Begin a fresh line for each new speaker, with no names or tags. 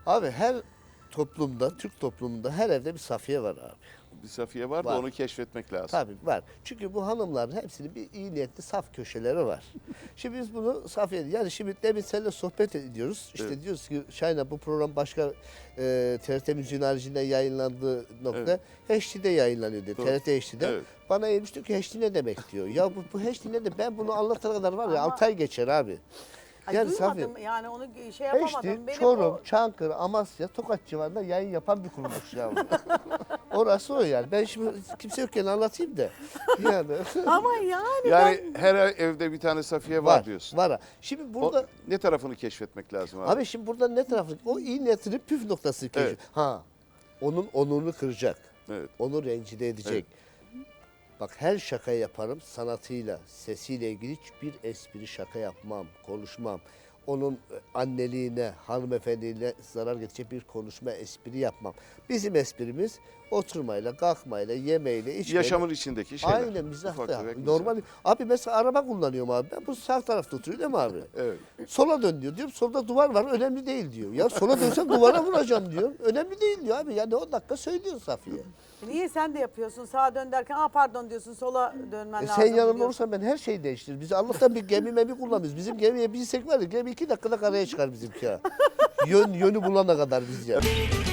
Abi her toplumda, Türk toplumunda her evde bir Safiye var abi.
Bir Safiye var da
Var.
onu keşfetmek lazım.
Tabii var. Çünkü bu hanımların hepsinin bir iyi niyetli saf köşeleri var. Şimdi biz bunu Safiye, yani şimdi demin seninle sohbet ediyoruz. İşte
Evet.
diyoruz ki Şahina bu program başka TRT Müziğin haricinde yayınlandığı nokta HD'de yayınlanıyor diyor.
Doğru.
TRT HD'de.
Evet.
Bana eğilmiş diyor ki HD ne demek diyor. Ya bu HD ne de ben bunu anlatana kadar var ya
Ama-
6 ay geçer abi.
Ay,
Yani
duymadım
Safiye,
yani onu şey yapamadım.
HD,
Benim
Çorum,
o
Çankırı, Amasya, Tokat civarında yayın yapan bir kuruluş ya. Orası o yani. Ben şimdi kimse yokken anlatayım da. Yani
ama yani
Yani her evde bir tane Safiye var, diyorsun.
Var. Şimdi
O,
burada
ne tarafını keşfetmek lazım abi?
abi şimdi burada ne tarafı? O iyi niyetinin püf noktası keşif.
Evet.
Ha. Onun onurunu kıracak.
Evet.
Onu rencide edecek. Bak her şaka yaparım sanatıyla, sesiyle ilgili hiçbir espri şaka yapmam, konuşmam. Onun anneliğine, hanımefendiliğine zarar getirecek bir konuşma, espri yapmam. Bizim esprimiz oturmayla, kalkmayla, yemeyle, içmeyle.
Yaşamın içindeki şeyler.
Aynen mizah
Ufak
da.
tefek mizah.
Normal. Abi mesela araba kullanıyorum abi. Ben bu sağ tarafta oturuyor değil mi abi?
Evet.
Sola dön diyor. Diyorum solda duvar var önemli değil diyor. Ya sola dönsem duvara vuracağım diyor. Önemli değil diyor abi. Yani 10 dakika söylüyor Safiye.
niye sen de yapıyorsun sağa dön derken pardon diyorsun sola dönmen lazım.
Sen yanımda
diyorsun.
olursan ben her şeyi değiştiririm. Biz Allah'tan bir gemi kullanıyoruz. Bizim gemiye binsek var ya gemi 2 dakikada karaya çıkar bizimki ha. Yönü bulana kadar biz ya.